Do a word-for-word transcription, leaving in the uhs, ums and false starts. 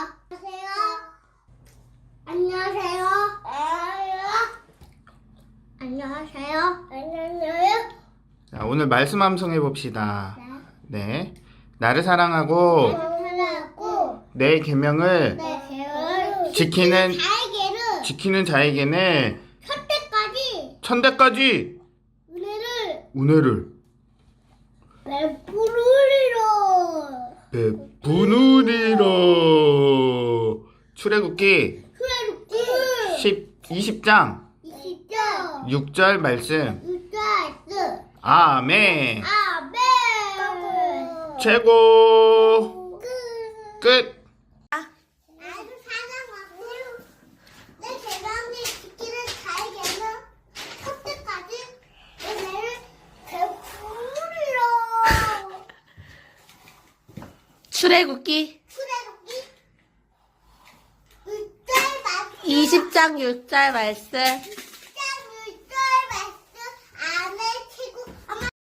안녕하세요. 안녕하세요. 안녕하세요. 자, 오늘 말씀 함성해 봅시다. 네. 네. 나를 사랑하고 사랑하고 내 계명을 내 계획을 지키는 자에게는 지키는 자에게는 현대까지 천대까지 은혜를 은혜를 베푸리라. 베푸느니라. 출애굽기 출애굽기 십, 이십 장 이십 장 육 절 말씀. 육 절 아멘. 아멘. 최고. 끝. 나를 사랑하고 내 계명을 지키는 자에게는 현대까지 은혜를 베푸리라. 출애굽기 출애굽기 육 절 말씀 이십 장 육 절 말씀.